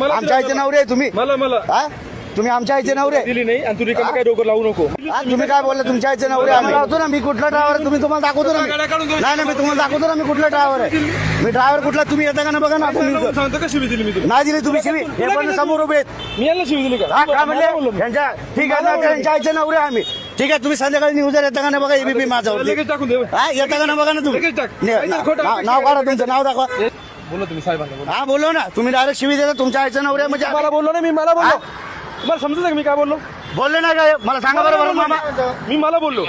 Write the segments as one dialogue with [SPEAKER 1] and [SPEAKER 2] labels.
[SPEAKER 1] आमच्या आईचे नवरे आहे तुम्ही. हा? तुम्ही आमच्या आईचे नवरे
[SPEAKER 2] दिली नाही आणि तुम्ही काय डोकं लावू नको.
[SPEAKER 1] तुम्ही काय बोलले तुमच्या आईचे नवरे आम्ही लावतो ना. मी कुठला ड्रायव्हर आहे तुम्ही तुम्हाला दाखवतो ना. नाही मी तुम्हाला दाखवतो ना मी कुठला ड्रायव्हर आहे. मी ड्रायव्हर कुठला तुम्ही येता का ना बघा ना. तुम्ही
[SPEAKER 2] सांगतो का शिवी दिली मी तुला?
[SPEAKER 1] नाही दिली तुम्ही शिवी. हे पण समोर उभे आहेत.
[SPEAKER 2] मी यांना शिवी दिली का?
[SPEAKER 1] काय म्हणले यांच्या ठीक आहे ना त्यांच्या आईचे नवरे आम्ही. ठीक आहे तुम्ही संध्याकाळी न्यूजर येता का ना बघा एबीपी माझ्यावरती.
[SPEAKER 2] लगेच टाकून दे.
[SPEAKER 1] हा येता का ना बघा ना तुम्ही.
[SPEAKER 2] लगेच टाक.
[SPEAKER 1] नाव काढा तुमचं नाव दाखवा.
[SPEAKER 2] बोला तुम्ही साहेबांना बोला.
[SPEAKER 1] हा बोलो ना तुम्ही डायरेक्ट शिवी देता तुमच्या आईचे नवरे म्हणजे
[SPEAKER 2] मला बोललो ना. मला बोललो. तुम्हाला समजत का मी काय बोललो?
[SPEAKER 1] बोलले नाही काय मला सांगा बरोबर मामा.
[SPEAKER 2] मला बोललो.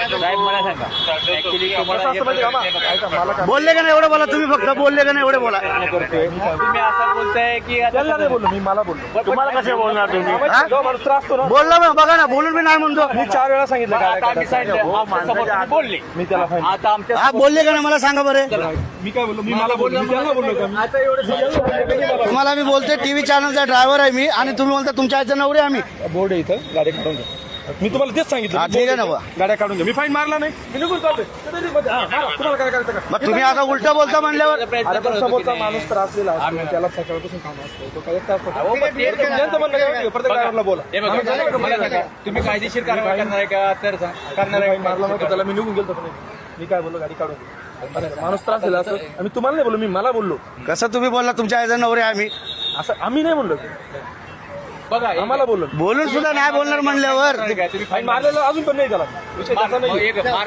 [SPEAKER 1] बोलले का नाही एवढं बोला तुम्ही फक्त बोलले का नाही एवढे बोला.
[SPEAKER 3] तुम्ही असं बोलताय की
[SPEAKER 2] त्यांना नाही बोललो मी. मला बोललो.
[SPEAKER 1] तुम्हाला कसे बोलणार तुम्ही
[SPEAKER 2] जो माणूस त्रास असतो ना.
[SPEAKER 1] बोलला मग बघा ना बोलून मी नाही म्हणतो.
[SPEAKER 2] मी 4 वेळा सांगितलं
[SPEAKER 3] आता आम्ही सांगितलं बोलले.
[SPEAKER 2] मी त्याला फाईन.
[SPEAKER 3] आता आमच्या
[SPEAKER 1] हा बोलले का नाही मला सांगा बरं.
[SPEAKER 2] मी काय बोललो? मला बोललो. मी त्यांना बोललो का मी?
[SPEAKER 3] आता एवढं
[SPEAKER 1] तुम्हाला मी बोलते टीव्ही चॅनलचा ड्रायव्हर आहे मी आणि तुम्ही बोलता तुमच्या आईचे नवरे आम्ही.
[SPEAKER 2] बोर्ड आहे इथं. गाड्या काढून घ्या. मी तुम्हाला तेच सांगितलं.
[SPEAKER 1] हा, ठीक आहे ना बा.
[SPEAKER 2] गाड्या काढून घ्या. मी फाईन मारला नाही. मी निघून चालतोय. तुम्हाला काय करायचं का?
[SPEAKER 1] मग तुम्ही आता उलट बोलता म्हणल्यावर
[SPEAKER 2] अरे पण समोरचा माणूस त्रास दिला असतो. त्याला सकाळपासून काम असतो. तो काय एक तास होता. ज्यांचं म्हणणं काय प्रत्येक ड्रायव्हरला बोला.
[SPEAKER 3] तुम्ही कायदेशीर कारवाई करणार आहे का? तर करणार आहे.
[SPEAKER 2] मारला नव्हता त्याला. मी निघून गेलो पण मी काय बोललो गाडी काढून घे. माणूस त्रास दिला असतो. आम्ही तुम्हाला नाही बोललो. मी मला बोललो.
[SPEAKER 1] कसं तुम्ही बोलला तुमच्या आईचे नवरे आम्ही.
[SPEAKER 2] असं आम्ही नाही म्हणलो.
[SPEAKER 3] बघा
[SPEAKER 2] आम्हाला बोललो.
[SPEAKER 1] बोलून सुद्धा नाही बोलणार म्हणल्यावर
[SPEAKER 2] फाईन मारलेला अजून पण नाही त्याला. विषय त्याचा नाही. मी त्याला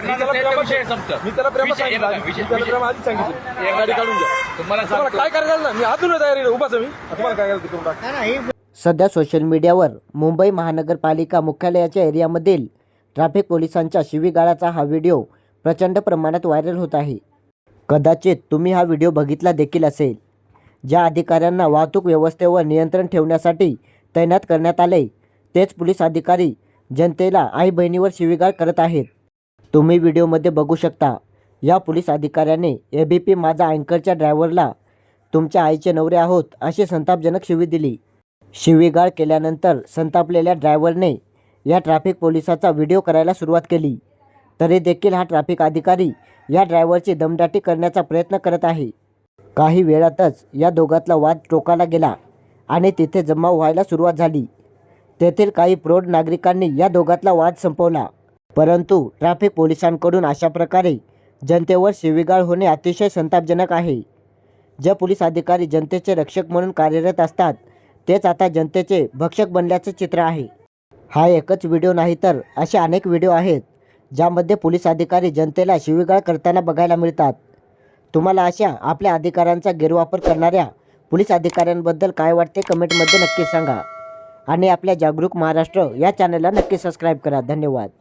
[SPEAKER 2] प्रेमात सांगितलं. मी त्याला प्रेम आधीच सांगितलं. गाडी काढून घ्या. तुम्हाला काय करायचं ना. मी अजून तयारी उभाच मी. तुम्हाला काय करायचं करून टाक.
[SPEAKER 4] सध्या सोशल मीडियावर मुंबई महानगरपालिका मुख्यालयाच्या एरियामधील ट्रॅफिक पोलिसांच्या शिवीगाळाचा हा व्हिडिओ प्रचंड प्रमाणात व्हायरल होत आहे. कदाचित तुम्ही हा व्हिडिओ बघितला देखील असेल. ज्या अधिकाऱ्यांना वाहतूक व्यवस्थेवर नियंत्रण ठेवण्यासाठी तैनात करण्यात आले तेच पोलीस अधिकारी जनतेला आई बहिणीवर शिवीगाळ करत आहेत. तुम्ही व्हिडिओमध्ये बघू शकता या पोलीस अधिकाऱ्याने एबीपी माझा अँकरच्या ड्रायव्हरला तुमच्या आईचे नवरे आहोत अशी संतापजनक शिवी दिली. शिवीगाळ केल्यानंतर संतापलेल्या ड्रायव्हरने या ट्रॅफिक पोलिसाचा व्हिडिओ करायला सुरुवात केली. तरी देखील हा ट्रॅफिक अधिकारी या ड्रायव्हरची दमदाटी करण्याचा प्रयत्न करत आहे. काही वेळातच या दोघातला वाद टोकाला गेला आणि तिथे जमाव व्हायला सुरुवात झाली. तेथील काही प्रौढ नागरिकांनी या दोघातला वाद संपवला. परंतु ट्रॅफिक पोलिसांकडून अशा प्रकारे जनतेवर शिवीगाळ होणे अतिशय संतापजनक आहे. जे पोलीस अधिकारी जनतेचे रक्षक म्हणून कार्यरत असतात तेच आता जनतेचे भक्षक बनल्याचे चित्र आहे. हा एकच व्हिडिओ नाही तर असे अनेक व्हिडिओ आहेत ज्यामध्ये पोलीस अधिकारी जनतेला शिवीगाळ करताना बघायला मिळतात. तुम्हाला अशा आपल्या अधिकारांचा गैरवापर करणाऱ्या पोलीस अधिकाऱ्यांबद्दल काय वाटते कमेंटमध्ये नक्की सांगा आणि आपल्या जागरूक महाराष्ट्र या चॅनलला नक्की सबस्क्राईब करा. धन्यवाद.